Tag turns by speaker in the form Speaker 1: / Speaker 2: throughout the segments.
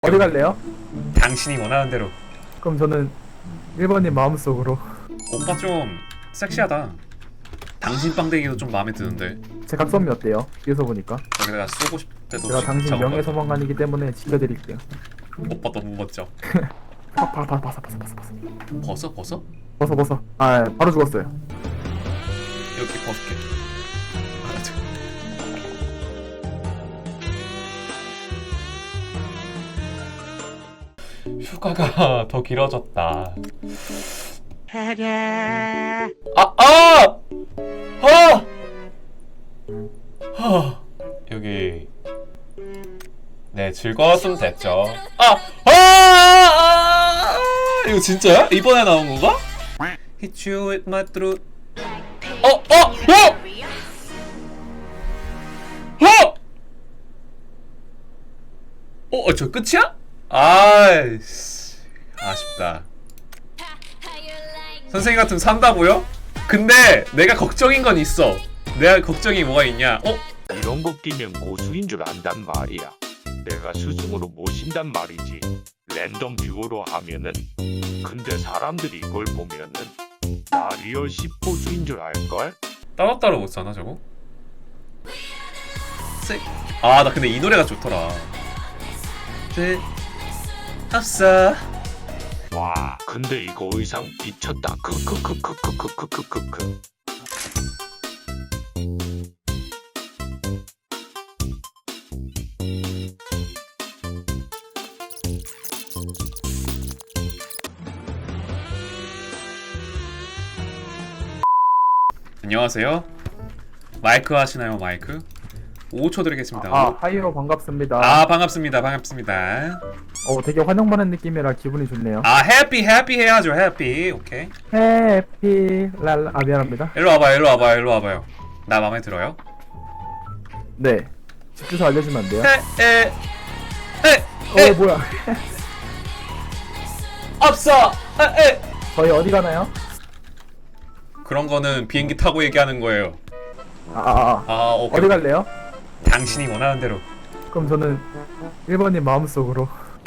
Speaker 1: 어디 갈래요?
Speaker 2: 당신이 원하는 대로.
Speaker 1: 그럼 저는 1번님 마음속으로.
Speaker 2: 오빠 좀 섹시하다. 당신 빵댕이도 좀 마음에 드는데.
Speaker 1: 제 각선미 어때요? 뒤에서 보니까
Speaker 2: 여기다가 쏘고 싶을 때도
Speaker 1: 제가 당신
Speaker 2: 작업하고.
Speaker 1: 명예소방관이기 때문에 지켜드릴게요.
Speaker 2: 오빠 너무 멋져.
Speaker 1: 바사바사바사
Speaker 2: 벗어?
Speaker 1: 벗어. 아 바로 죽었어요.
Speaker 2: 여기 벗을게. 알았죠. 휴가가 더 길어졌다. 여기 네 즐거웠으면 됐죠. 이거 진짜야? 이번에 나온 건가? Hit you with my throat. 저 끝이야? 아이씨, 아쉽다. 선생님 같으면 산다고요? 근데 내가 걱정인 건 있어. 내가 걱정이 뭐가 있냐?
Speaker 3: 이런 거 끼면 고수인 줄 안단 말이야. 내가 스승으로 모신단 말이지. 랜덤 듀오로 하면은. 근데 사람들이 이걸 보면은 나 리얼 10고수인 줄 알걸?
Speaker 2: 따로따로 못 사나 저거? 나 근데 이 노래가 좋더라. 합사.
Speaker 3: 와, 근데 이거 의상 미쳤다. 크크크크크크크크크크.
Speaker 2: 안녕하세요. 마이크 하시나요, 마이크? 5초 드리겠습니다.
Speaker 1: 하이로 반갑습니다.
Speaker 2: 반갑습니다.
Speaker 1: 되게 환영받는 느낌이라 기분이 좋네요.
Speaker 2: 해피 해야죠, 해피. 오케이.
Speaker 1: 해피 랄라. 미안합니다.
Speaker 2: 일로 와봐요. 나 마음에 들어요?
Speaker 1: 네. 집 주소 알려주면 안 돼요? 뭐야?
Speaker 2: 없어.
Speaker 1: 저희 어디 가나요?
Speaker 2: 그런 거는 비행기 타고 얘기하는 거예요. 오케이.
Speaker 1: 어디 갈래요?
Speaker 2: 당신이 원하는 대로.
Speaker 1: 그럼 저는 1번님 마음속으로.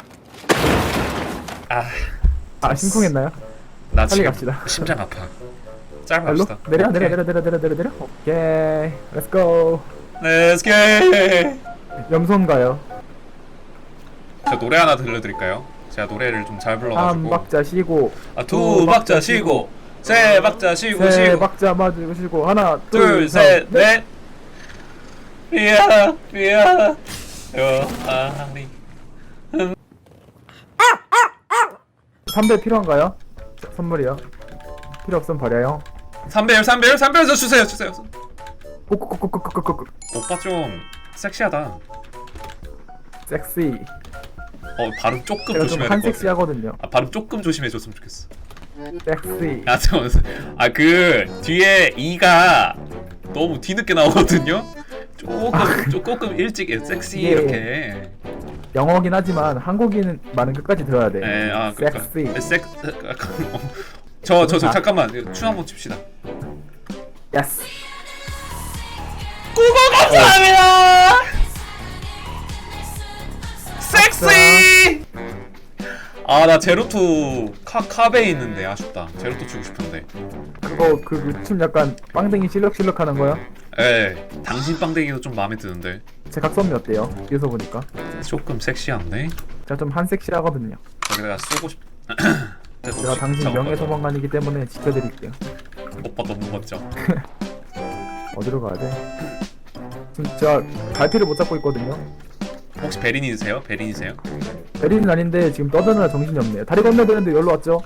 Speaker 1: 심쿵했나요?
Speaker 2: 나
Speaker 1: 빨리
Speaker 2: 지금
Speaker 1: 갑시다.
Speaker 2: 심장 아파. 짧아
Speaker 1: 발로?
Speaker 2: 합시다.
Speaker 1: 내려. 오케이. Let's go.
Speaker 2: Let's get.
Speaker 1: 염손 가요.
Speaker 2: 저 노래 하나 들려드릴까요? 제가 노래를 좀 잘 불러가지고.
Speaker 1: 3박자 쉬고.
Speaker 2: 2박자 쉬고. 3박자 쉬고.
Speaker 1: 3박자 맞고 쉬고. 하나,
Speaker 2: 둘, 셋, 넷. 미야. 아니.
Speaker 1: 담배 필요한가요? 선물이요. 필요 없으면 버려요.
Speaker 2: 3배율 주세요.
Speaker 1: 꾹꾹꾹꾹꾹꾹꾹.
Speaker 2: 오빠 좀 섹시하다.
Speaker 1: 섹시.
Speaker 2: 발음 조금
Speaker 1: 제가 좀
Speaker 2: 조심해야 될 것 같아.
Speaker 1: 한섹시하거든요.
Speaker 2: 발음 조금 조심해줬으면 좋겠어.
Speaker 1: 섹시.
Speaker 2: 잠깐만. 그 뒤에 이가 너무 뒤늦게 나오거든요. 조금 일찍 섹시
Speaker 1: 예.
Speaker 2: 이렇게.
Speaker 1: 영어긴 하지만 한국인 말은 끝까지 들어야 돼.
Speaker 2: 섹시.
Speaker 1: 섹시.
Speaker 2: 저 잠깐만 춤 한번 춥시다.
Speaker 1: 예스.
Speaker 2: 국어 감사합니다. 섹시. 나 제로투 카베 있는데 아쉽다. 제로투 주고 싶은데.
Speaker 1: 그거 춤 약간 빵댕이 실룩실룩 하는 거요?
Speaker 2: 당신 빵댕이도 좀 마음에 드는데.
Speaker 1: 제 각선미 어때요? 뒤에서 보니까
Speaker 2: 조금 섹시한데.
Speaker 1: 제가 좀 한섹시하거든요.
Speaker 2: 여기다가 쏘고 싶.
Speaker 1: 제가 당신 명예소방관이기 때문에 지켜드릴게요.
Speaker 2: 오빠 너무 멋져.
Speaker 1: 어디로 가야 돼? 지금 제가 갈피를 못 잡고 있거든요.
Speaker 2: 혹시 베린이세요?
Speaker 1: 베리는 아닌데 지금 떠드느라 정신이 없네요. 다리 건너야 되는데 여기로 왔죠?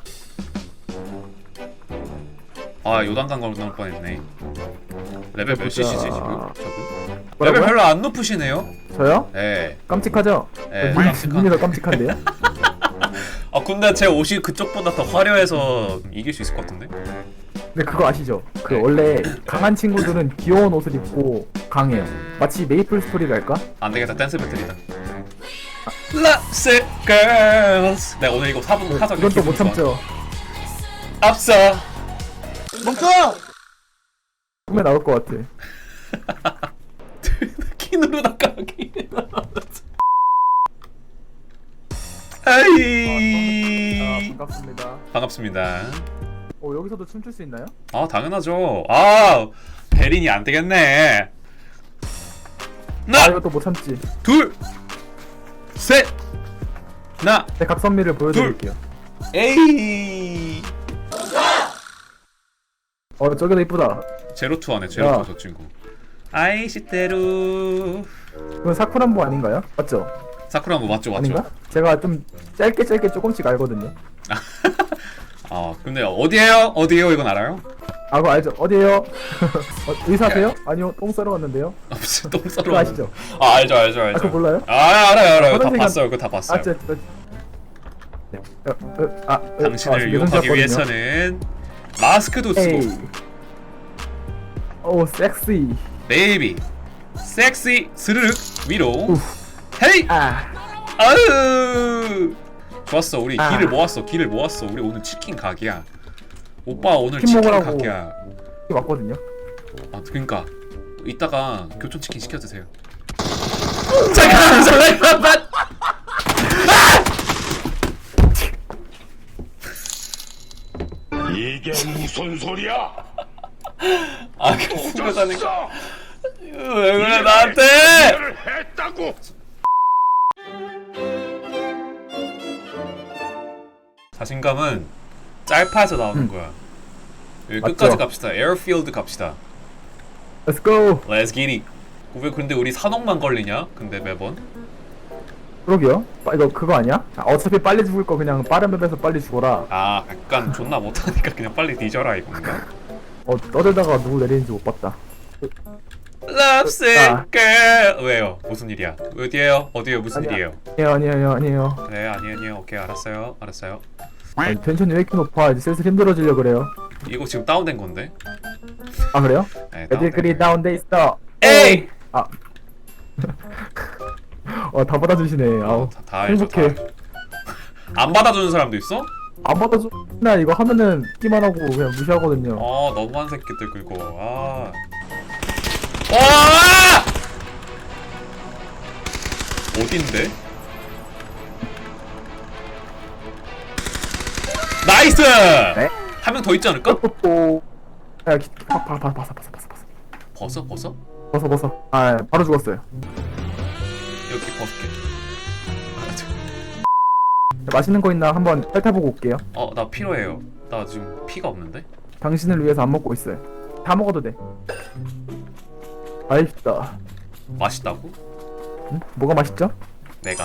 Speaker 2: 요단강 건널 뻔했네. 레벨 몇
Speaker 1: 보자.
Speaker 2: CC지 지금? 저분?
Speaker 1: 뭐라고요?
Speaker 2: 레벨 별로 안 높으시네요.
Speaker 1: 저요?
Speaker 2: 네.
Speaker 1: 깜찍하죠?
Speaker 2: 깜찍한.
Speaker 1: 눈이 더 깜찍한데요?
Speaker 2: 근데 제 옷이 그쪽보다 더 화려해서 이길 수 있을 것 같은데?
Speaker 1: 근데 그거 아시죠?
Speaker 2: 네.
Speaker 1: 원래 강한 친구들은 귀여운 옷을 입고 강해요. 마치 메이플 스토리랄까?
Speaker 2: 안 되겠다, 댄스 배틀이다. Loves girls. 내가 오늘 이거 4분 하자.
Speaker 1: 이건 또 못 참죠.
Speaker 2: 앞서.
Speaker 1: 꿈에 나올 것 같아.
Speaker 2: 키 누르다가 키. 하이.
Speaker 1: 반갑습니다.
Speaker 2: 반갑습니다.
Speaker 1: 여기서도 춤출 수 있나요?
Speaker 2: 아 당연하죠. 아 베린이 안 되겠네. 하나
Speaker 1: 이것도 못 참지.
Speaker 2: 둘 셋. 하나
Speaker 1: 제 각선미를 보여드릴게요.
Speaker 2: 에이.
Speaker 1: 저기도 이쁘다.
Speaker 2: 제로투 하네. 제로투
Speaker 1: 야.
Speaker 2: 저 친구. 아이시테루.
Speaker 1: 이건 사쿠란보 아닌가요? 맞죠?
Speaker 2: 사쿠라 뭐 맞죠 맞죠.
Speaker 1: 아닌가? 제가 좀 짧게 조금씩 알거든요.
Speaker 2: 아 근데 어디에요 이건 알아요?
Speaker 1: 그거 알죠? 어디에요? 의사세요? 아니요, 똥 싸러 왔는데요.
Speaker 2: 무슨 똥 싸러
Speaker 1: 그거 아시죠?
Speaker 2: 아 알죠
Speaker 1: 그거 몰라요?
Speaker 2: 알아요 다
Speaker 1: 화장실
Speaker 2: 봤어요. 그거 다 봤어요. 당신을
Speaker 1: 지금
Speaker 2: 유혹하기
Speaker 1: 예선이었거든요.
Speaker 2: 위해서는 마스크도 쓰고
Speaker 1: 에이. 오, 섹시.
Speaker 2: 베이비 섹시 스르륵 위로 헤이
Speaker 1: 아,
Speaker 2: 아으 좋았어. 우리
Speaker 1: 아.
Speaker 2: 길을 모았어. 우리 오늘 치킨 각이야. 오빠 오늘
Speaker 1: 치킨
Speaker 2: 치킨
Speaker 1: 먹으라고.
Speaker 2: 각이야.
Speaker 1: 이게 맞거든요.
Speaker 2: 아 그러니까 이따가 교촌 치킨 시켜 드세요. 잠깐만.
Speaker 3: 이게 무슨 소리야?
Speaker 2: 아 그 순간이니까
Speaker 3: 졌어.
Speaker 2: 왜 그래 나한테?
Speaker 3: 일을 했다고.
Speaker 2: 자신감은 짤파에서 나오는 거야. 여기
Speaker 1: 맞죠?
Speaker 2: 끝까지 갑시다. 에어필드 갑시다.
Speaker 1: Let's go.
Speaker 2: Let's get it. 왜 근데 우리 산옥만 걸리냐? 근데 매번.
Speaker 1: 그러게요. 이거 그거 아니야? 어차피 빨리 죽을 거 그냥 빠른 맵에서 빨리 죽어라.
Speaker 2: 아 약간 존나 못하니까 그냥 빨리 뒤져라 이건가?
Speaker 1: 떠들다가 누구 내리는지 못 봤다.
Speaker 2: Love sick
Speaker 1: 아.
Speaker 2: girl. 왜요? 무슨 일이야? 어디에요? 어디에요? 무슨
Speaker 1: 아니야.
Speaker 2: 일이에요?
Speaker 1: 아니에요.
Speaker 2: 네 아니에요. 오케이 알았어요.
Speaker 1: 텐션이 왜 이렇게 높아? 이제 슬슬 힘들어지려 그래요.
Speaker 2: 이거 지금 다운된 건데.
Speaker 1: 아, 그래요?
Speaker 2: 네,
Speaker 1: 애들 그리 다운돼 있어.
Speaker 2: 에이!
Speaker 1: 아. 다 받아주시네. 아우.
Speaker 2: 다 알죠. 다
Speaker 1: 행복해.
Speaker 2: 알죠. 안 받아주는 사람도 있어?
Speaker 1: 안 받아줘. 나 이거 하면은 끼만 하고 그냥 무시하거든요.
Speaker 2: 아 너무한 새끼들 그거. 아. 와! 어딘데? 나이스!
Speaker 1: 네?
Speaker 2: 한 명 더 있지 않을까?
Speaker 1: 뽀뽀. 야, 봤어.
Speaker 2: 벗어?
Speaker 1: 아, 바로 죽었어요.
Speaker 2: 이렇게 벗을게.
Speaker 1: 맛있는 거 있나 한번 핥아보고 올게요.
Speaker 2: 나 필요해요. 나 지금 피가 없는데?
Speaker 1: 당신을 위해서 안 먹고 있어요. 다 먹어도 돼. 맛있다.
Speaker 2: 맛있다고?
Speaker 1: 응? 뭐가 맛있죠?
Speaker 2: 내가.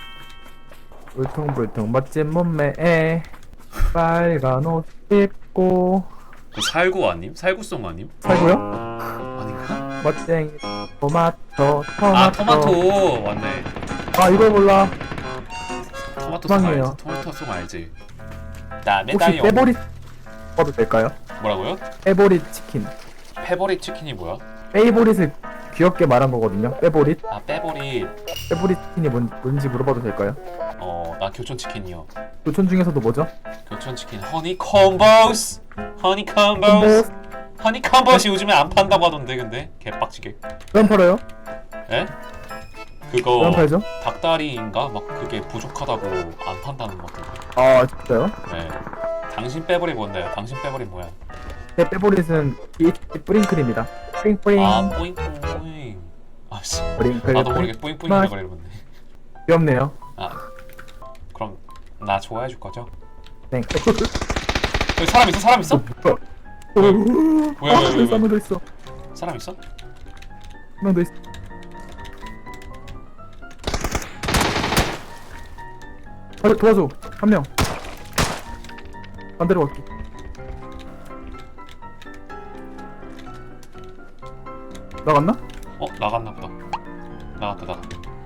Speaker 1: 울퉁불퉁 멋진 몸매에 빨간 옷 입고
Speaker 2: 그 살구 아님? 살구송 아님?
Speaker 1: 살고요?
Speaker 2: 아닌가?
Speaker 1: 멋쟁이 토마토.
Speaker 2: 아 토마토 맞네.
Speaker 1: 아, 이걸 몰라.
Speaker 2: 토마토 송
Speaker 1: 희망이에요.
Speaker 2: 알지? 토마토 송 알지? 나
Speaker 1: 혹시
Speaker 2: 메다이온.
Speaker 1: 빼보리 먹어도 될까요?
Speaker 2: 뭐라고요?
Speaker 1: 빼보리 치킨.
Speaker 2: 페버릿 치킨이 뭐야?
Speaker 1: 페이보릿을 귀엽게 말한 거거든요. 빼보릿.
Speaker 2: 아 빼버릿.
Speaker 1: 빼보리 치킨이 뭔지 물어봐도 될까요?
Speaker 2: 나 교촌 치킨이요.
Speaker 1: 교촌 중에서도 뭐죠?
Speaker 2: 교촌 치킨 허니 콤보스. 허니 콤보스. 허니 콤보스 요즘에 안 판다고 하던데 근데 개빡치게.
Speaker 1: 왜 안 팔아요?
Speaker 2: 에?
Speaker 1: 왜 안
Speaker 2: 그거
Speaker 1: 팔죠?
Speaker 2: 닭다리인가 막 그게 부족하다고 안 판다는 것 같은데.
Speaker 1: 아, 진짜요?
Speaker 2: 네. 당신 빼버리 뭔데요? 당신 빼버리 뭐야?
Speaker 1: 제 빼보릿은 BHP 뿌링클입니다. 뿌링뿌링.
Speaker 2: 아 뿌잉뿌잉. 아씨.
Speaker 1: 뿌링클.
Speaker 2: 나도 모르게 뿌잉뿌잉이라고 이러는데.
Speaker 1: 귀엽네요.
Speaker 2: 아 그럼 나 좋아해 줄 거죠?
Speaker 1: 네.
Speaker 2: 여기 사람 있어? 사람 있어? 왜?
Speaker 1: 한 명 더 있어.
Speaker 2: 사람 있어?
Speaker 1: 한 명 더 있어. 도와줘. 한 명. 반대로 갈게. 나갔나?
Speaker 2: 나갔나 보다. 나갔다.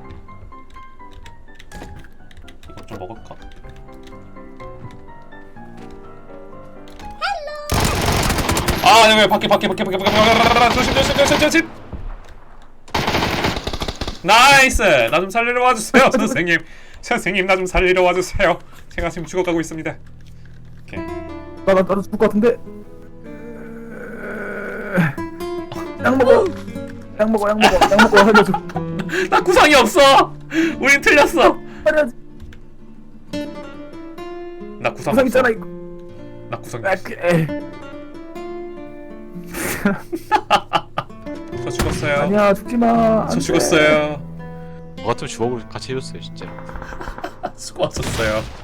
Speaker 2: 이거 좀 먹을까? 아, 여기 밖에. 조심. 나이스. 나 좀 살리러 와주세요, 선생님. 선생님, 나 좀 살리러 와주세요. 제가 지금 죽어가고 있습니다. 오케이.
Speaker 1: 나도 죽을 것 같은데. 약 먹어. 살려줘.
Speaker 2: 나 구상이 없어. 우린 틀렸어.
Speaker 1: 살려줘.
Speaker 2: 나 구상
Speaker 1: 구상
Speaker 2: 없어.
Speaker 1: 있잖아 이거.
Speaker 2: 나 구상
Speaker 1: 아,
Speaker 2: 없어. 저 죽었어요.
Speaker 1: 아니야 죽지 마.
Speaker 2: 저 죽었어요.
Speaker 4: 저 같으면 주먹으로 같이 해줬어요 진짜.
Speaker 2: 수고하셨어요.